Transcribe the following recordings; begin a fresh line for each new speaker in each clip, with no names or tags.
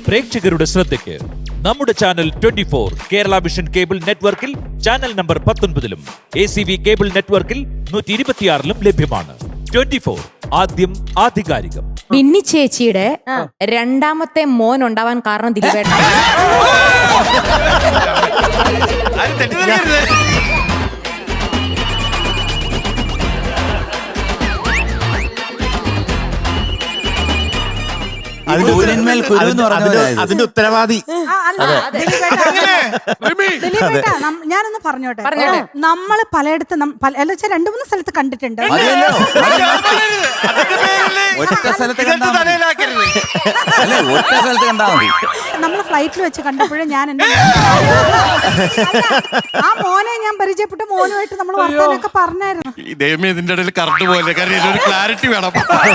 പ്രേക്ഷകരുടെ ശ്രദ്ധയ്ക്ക് നമ്മുടെ ചാനൽ 24 കേരള വിഷൻ കേബിൾ നെറ്റ്വർക്കിൽ ചാനൽ നമ്പർ 19-ലും ACV കേബിൾ നെറ്റ്വർക്കിൽ 126-ലും ലഭ്യമാണ്. 24 ആദ്യം ആധികാരികം.
ബിന്നി ചേച്ചിയുടെ രണ്ടാമത്തെ മോൻ ഉണ്ടാവാൻ കാരണം ദിലീപേട്ട.
അതിന്റെ ഉത്തരവാദി
ഞാനൊന്ന് പറഞ്ഞോട്ടെ. നമ്മള് പലയിടത്ത് രണ്ടു മൂന്ന് സ്ഥലത്ത് കണ്ടിട്ടുണ്ട്. നമ്മള് ഫ്ലൈറ്റിൽ വെച്ച് കണ്ടപ്പോഴും ഞാൻ ആ മോനെ ഞാൻ പരിചയപ്പെട്ട മോനുമായിട്ട് നമ്മൾ വർത്താനൊക്കെ പറഞ്ഞായിരുന്നു.
ഇതിന്റെ ഇടയിൽ കറണ്ട് പോലെ ഒരു ക്ലാരിറ്റി വേണം.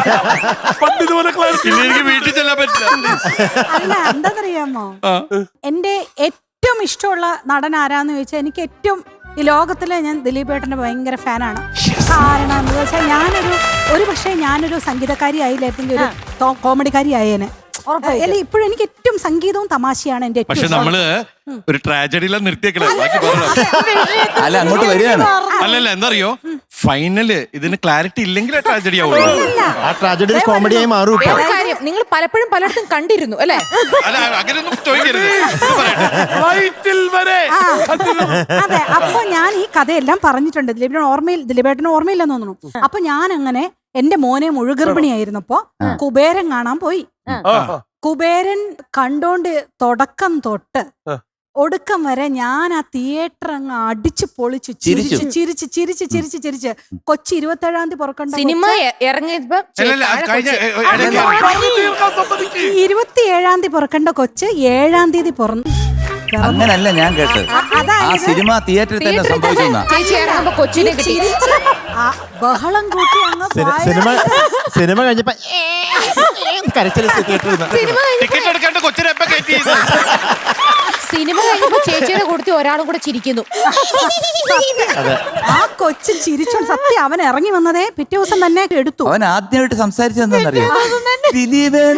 വീട്ടിൽ ചെല്ലാൻ പറ്റില്ല.
അല്ല എന്താന്നറിയാമോ, എന്റെ ഏറ്റവും ഇഷ്ടമുള്ള നടൻ ആരാന്ന് ചോദിച്ചാൽ എനിക്ക് ഏറ്റവും ഈ ലോകത്തിലെ ഞാൻ ദിലീപേട്ടന്റെ ഭയങ്കര ഫാനാണ്. കാരണം എന്താ വെച്ചാൽ ഞാനൊരു പക്ഷേ ഞാനൊരു സംഗീതക്കാരി ആയില്ലായിരുന്നെങ്കിൽ ഒരു കോമഡിക്കാരി ആയേനെ. അല്ല ഇപ്പോഴും എനിക്ക് ഏറ്റവും സംഗീതവും തമാശയാണ് എന്റെ
പക്ഷെ നമ്മള് ഒരു ട്രാജഡിയില നിർത്തിയേക്കണേ.
അല്ല അങ്ങോട്ട് വരികയാണ്.
അല്ലല്ല എന്താറിയോ, ഫൈനല് ഇതിന് ക്ലാരിറ്റി ഇല്ലെങ്കിൽ ട്രാജഡി ആവുള്ളൂ.
ആ ട്രാജഡി കോമഡിയായി മാറും.
കാര്യം നിങ്ങൾ പലപ്പോഴും പലയിടത്തും കണ്ടിരുന്നു അല്ലേ?
അല്ല അങ്ങനെയൊന്നും ചോദിക്കരുത്.
അതെ, അപ്പൊ ഞാൻ ഈ കഥയെല്ലാം പറഞ്ഞിട്ടുണ്ട്. ദിലീപേട്ടന് ഓർമ്മയില്ലെന്ന് തോന്നുന്നു. അപ്പൊ ഞാൻ അങ്ങനെ എന്റെ മോനെ മുഴുഗർഭിണിയായിരുന്നപ്പോ കുബേരൻ കാണാൻ പോയി. കുബേരൻ കണ്ടോണ്ട് തുടക്കം തൊട്ട് ഒടുക്കം വരെ ഞാൻ ആ തിയേറ്റർ അങ്ങ് അടിച്ചു പൊളിച്ചു ചിരിച്ച് 27-ാം തീയതി പുറക്കണ്ട
സിനിമ ഇറങ്ങിയപ്പോ
27-ാം തീയതി പുറക്കേണ്ട കൊച്ച് 7-ാം തീയതി
അങ്ങനല്ല ഞാൻ കേട്ടത്. ആ സിനിമ തിയേറ്ററിൽ തന്നെ സംഭവിക്കുന്ന
കൊച്ചിനെ കിട്ടി.
ബഹളം കൂട്ടി
സിനിമ കഴിഞ്ഞപ്പോ
ടിക്കറ്റ് എടുക്കേണ്ട കൊച്ചിനെ എപ്പോ കയറ്റി?
സിനിമ കഴിഞ്ഞപ്പോ ചേച്ചിയുടെ കൂട്ടത്തിൽ ഒരാളും കൂടെ ചിരിക്കുന്നു.
ആ കൊച്ചു ചിരിച്ചോണ്ട് സത്യം അവൻ ഇറങ്ങി വന്നതേ പിറ്റേ ദിവസം തന്നെ എടുത്തു.
അവൻ ആദ്യമായിട്ട് സംസാരിച്ചതെന്നറിയോ? ദിലീപൻ.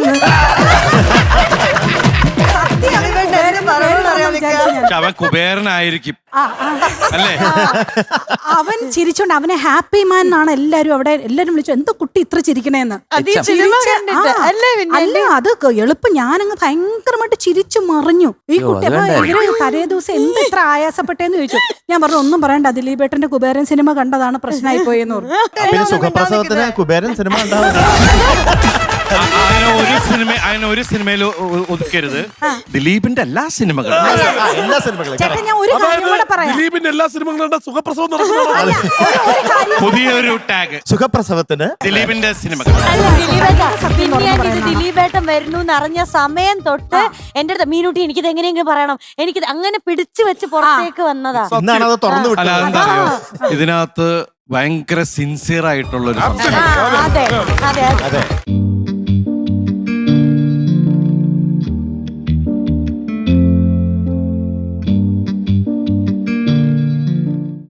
അവൻ കുബേരനായിരിക്കും അല്ലേ?
അവൻ ചിരിച്ചോണ്ട് അവനെ ഹാപ്പി മാൻ എന്നാണ് എല്ലാരും വിളിച്ചു. എന്തോ കുട്ടി ഇത്ര ചിരിക്കണേന്ന്. അല്ല അത് എളുപ്പം ഞാനങ്ങ് ഭയങ്കരമായിട്ട് ചിരിച്ചു മറിഞ്ഞു. ഈ കുട്ടി അപ്പൊ ഇവര് തലേ ദിവസം എന്ത് ഇത്ര ആയാസപ്പെട്ടേന്ന് ചോദിച്ചു. ഞാൻ പറഞ്ഞു ഒന്നും പറയണ്ട, ദിലീപേട്ടന്റെ കുബേരൻ സിനിമ കണ്ടതാണ് പ്രശ്നമായി പോയെന്ന് പറഞ്ഞു.
പിന്നെ സുഖപ്രസവത്തിന് കുബേരൻ സിനിമ ഉണ്ടാവും.
അങ്ങനെ ഒരു സിനിമയിൽ ഒതുക്കരുത്. ദിലീപിന്റെ എല്ലാ സിനിമകളും
ചേട്ടാ ഞാൻ ഒരു കാര്യം കൂടെ പറയാം.
ദിലീപിന്റെ എല്ലാ സിനിമകളും സുഖപ്രസവം
പുതിയൊരു ടാഗ്
സുഖപ്രസവത്തിന്
ദിലീപിന്റെ സിനിമകൾ.
ദിലീപേട്ടൻ വരുന്നു എന്നറിഞ്ഞ സമയം തൊട്ട് എന്റെ അടുത്ത് മീനൂട്ടി എനിക്കിത് എങ്ങനെയെങ്കിലും പറയണം, എനിക്കിത് അങ്ങനെ പിടിച്ചു വെച്ച് പുറത്തേക്ക് വന്നതാ.
എന്നാണ് തുറന്നു വിട്ടത്.
ഇതിനകത്ത് ഭയങ്കര സിൻസിയർ ആയിട്ടുള്ള ഒരു
അതെ അതെ അതെ.